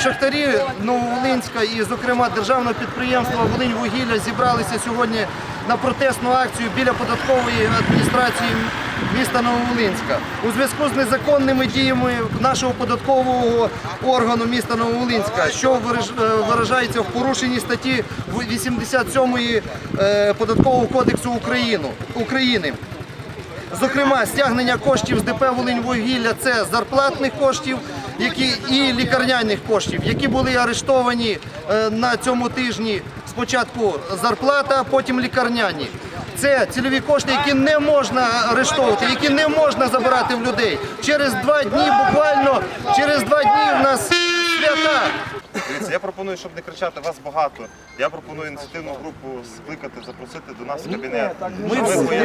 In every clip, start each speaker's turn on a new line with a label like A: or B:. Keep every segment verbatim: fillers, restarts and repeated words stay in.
A: шахтарі Нововолинська і, зокрема, державного підприємства «Волиньвугілля» зібралися сьогодні на протестну акцію біля податкової адміністрації міста Нововолинська. У зв'язку з незаконними діями нашого податкового органу міста Нововолинська, що виражається в порушенні статті вісімдесят сьомої Податкового кодексу України. Зокрема, стягнення коштів з ДП «Волиньвугілля» – це зарплатних коштів які, і лікарняних коштів, які були арештовані на цьому тижні. Спочатку зарплата, потім лікарняні. Це цільові кошти, які не можна арештовувати, які не можна забирати в людей. Через два дні, буквально, через два дні в нас свята.
B: Дивіться, я пропоную, щоб не кричати вас багато. Я пропоную ініціативну групу скликати, запросити до нас в кабінет.
C: Ми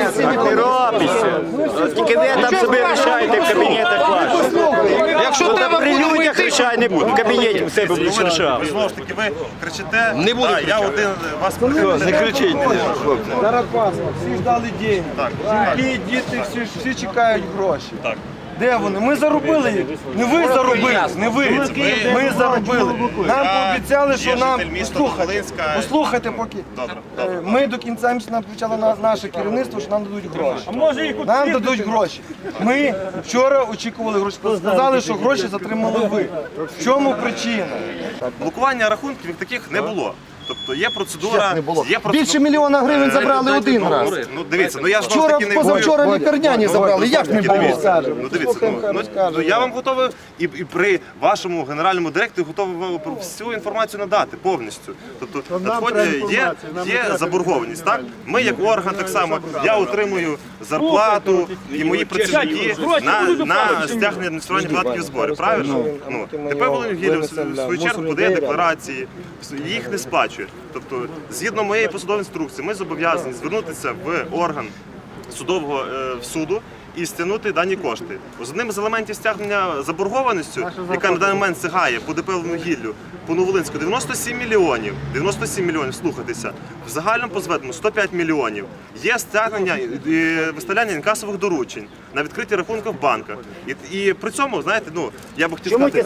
C: не робиться. Тільки ви там собі рішаєте в кабінетах ваших. Якщо треба при людях рішай не буде. В кабінеті в себе будеш рішав.
B: Знову ж таки, ви кричите.
C: Не буду кричати.
B: Я один вас прикрив.
C: Не кричіть.
D: Зараз паспорт, всі ждали гроші. Жінки, діти, всі, всі чекають гроші.
B: Так.
D: Де вони? Ми заробили їх. Не ви заробили, не ви. Ми заробили. Нам пообіцяли, що нам... Послухайте, послухайте поки. Ми до кінця місяця нам почало на наше керівництво, що нам дадуть гроші. Нам дадуть гроші. Ми вчора очікували гроші. Сказали, що гроші затримали ви. В чому причина?
B: Блокування рахунків як таких не було. Тобто є процедура, є процедура.
A: Більше мільйона гривень забрали один раз.
B: Ну дивіться, ну я ж
A: Вчора, позавчора лікарняні забрали, як не було?
B: Ну дивіться, ну, ну я вам готовий і, і при вашому генеральному директорі готовий вам всю інформацію надати повністю. Тобто надходять, є, є заборгованість, так? Ми як орган так само, я отримую зарплату і мої працівники на, на стягнення адміністрування податків і зборів, правильно? Ну, тепер Волиньвугілля в свою чергу подає декларації, їх не сплачує. Тобто, згідно моєї посадової інструкції, ми зобов'язані звернутися в орган судового е, суду і стягнути дані кошти. З одним з елементів стягнення заборгованістю, яка на даний момент сягає по ДП «Волиньвугіллю», по Нововолинську дев'яносто сім мільйонів, дев'яносто сім мільйонів, слухайтеся, в загальному по зведеному сто п'ять мільйонів. Є стягнення і виставляння інкасових доручень на відкриті рахунки в банках. І, і при цьому, знаєте, ну, я б хотів сказати...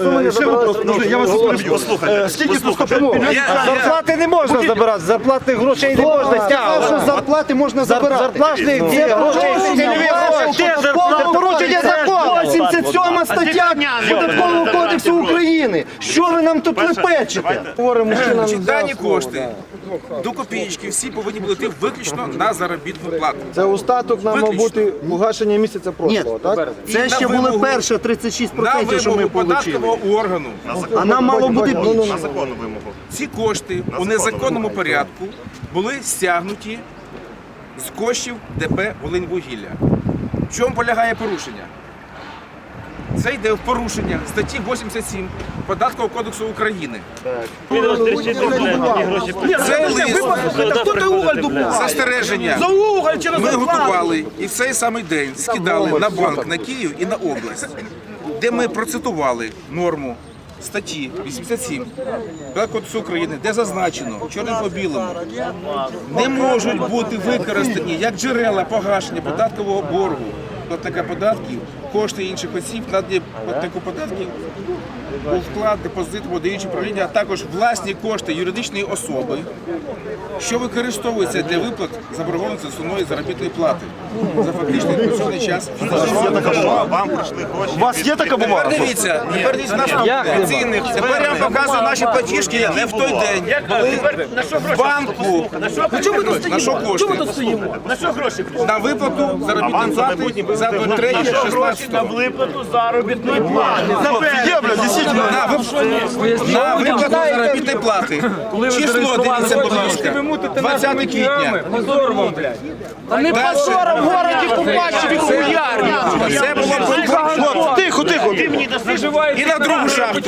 D: Я вас
B: послухайте, послухайте.
C: Зарплати не можна забирати, зарплатних грошей не можна стягувати.
A: Зарплати можна забирати.
C: Зарплатних грошей, цільові гроші.
A: Це порушення закону. вісімдесят сьома стаття Податкового кодексу України. Що ви нам тут лепечете?
E: Дані кошти до копійки всі повинні були йти виключно на заробітну плату.
D: Це остаток нам мав бути погашення місяця прошлого, так?
A: Це ще були перше тридцять шість
E: На
A: відсотків, що ми
E: вимогу
A: отримали.
E: податкового органу
A: А нам мало бути більше.
B: На законну вимогу.
E: ці кошти у незаконному порядку були стягнуті з коштів ДП «Волиньвугілля». В чому полягає порушення? Це йде в порушення статті вісімдесят сім Податкового кодексу України. Це лист застереження. Ми готували і в цей самий день скидали на банк, на Київ і на область, де ми процитували норму статті вісімдесят сім Податкового кодексу України, де зазначено чорним по білому, не можуть бути використані як джерела погашення податкового боргу платника податків, кошти інших осіб, надані платнику податків у вклад, депозит, подаючи управління, а також власні кошти юридичної особи, що використовуються для виплат заборгованості основної заробітної плати за фактичний відпрацьований час.
B: Вам прийшли гроші.
C: У вас є така бумага?
E: Тепер дивіться, тепер дивіться наступне. Тепер я вам показую наші платіжки, які в той день були в банку. На що кошти?
F: На що гроші?
E: На виплату заробітної плати за двадцять третє шістнадцяте.
F: На виплату заробітної плати.
C: Є, блядь, дійсно.
E: На вип- на виплату заробітної плати. Число, дивіться, будь ласка, двадцяте квітня.
F: Позором, блядь.
E: Не
F: позором в городі побачили хуярні.
E: Це було
C: Тихо, тихо.
E: і на другу шахту.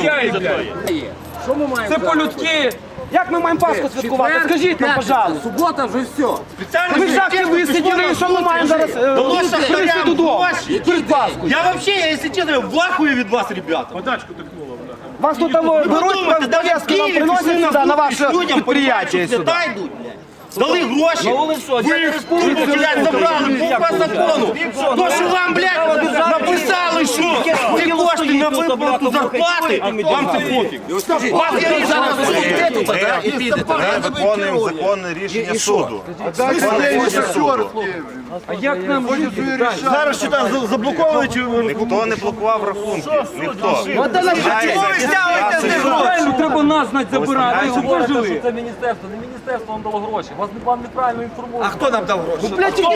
F: Це по-людськи. Як ми маємо Пасху святкувати? Скажіть нам, пожалуйста.
G: Субота вже все.
F: Ми в шахті висиділи, і що ми маємо зараз привезти додому? Перед Пасхою.
G: Я вообще, я, если честно, в ахуе від вас, ребята.
F: Вас тут там беруть, пов'язки вам приносять сюди, на ваше підприємство сюди.
G: Дали гроші. Ви республіку, блядь, забрали по закону. То, що вам, блядь, написали, що ці кошти на виплату зарплати, вам це пофіг. Вас я зараз
B: Ми виконуємо законне рішення суду. Законне рішення суду.
F: А як нам жити?
G: зараз що там заблоковують.
B: Ніхто не блокував рахунки. Ніхто.
G: Чому ви стягуєте з них гроші?
F: Правильно, треба нас знати забирати, щоб ви жили.
H: Це міністерство, не міністерство вам дало гроші. Вас не вам неправильно інформують.
G: А хто нам дав гроші?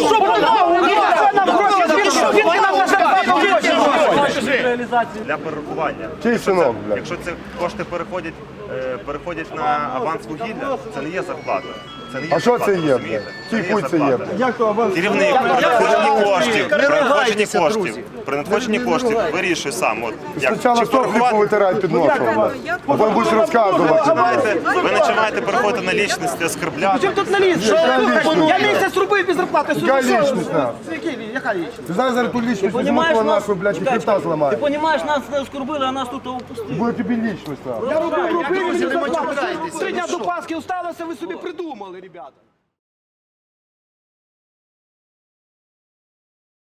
H: Реалізацію.
B: Для перерахування.
I: Чий синок, блядь?
B: Якщо ці кошти переходять, е, переходять на аванс вугілля, це не є зарплата. Це не є
I: А що
B: зарплата,
I: це є,
B: розумієте?
I: блядь?
B: Це не
I: Чий хуй це є,
B: зарплата.
I: блядь?
B: Керівник при надходженні коштів, при надходженні
A: ругайтеся,
B: коштів,
A: друзі.
B: при надходженні коштів вирішує сам. От, як,
I: Спочатку
B: чи
I: сопли
B: порахувати,
I: повитирай під носом, блядь. А потім будеш розказувати.
B: починаєте, ви починаєте переходити на лічності, оскорбляти.
F: Тут на ліс. Я місяць робив без зарплати.
I: Яка лічність, на?
F: Яка лічність?
I: Ти знаєш, зараз ту лічність візьму,
H: Понімаєш,
I: твого
H: нас-
I: нашу, блядь, і хребта зламає.
H: Ти розумієш, нас не оскорбили, а нас тут опустили.
I: Буде тобі лічність, на.
F: Я робив, робив,
A: Друзі,
F: мені
A: не
F: зарплату.
A: матюкайтеся,
F: Три дня
A: ви
F: до Пасхи осталося, ви собі придумали, ребята.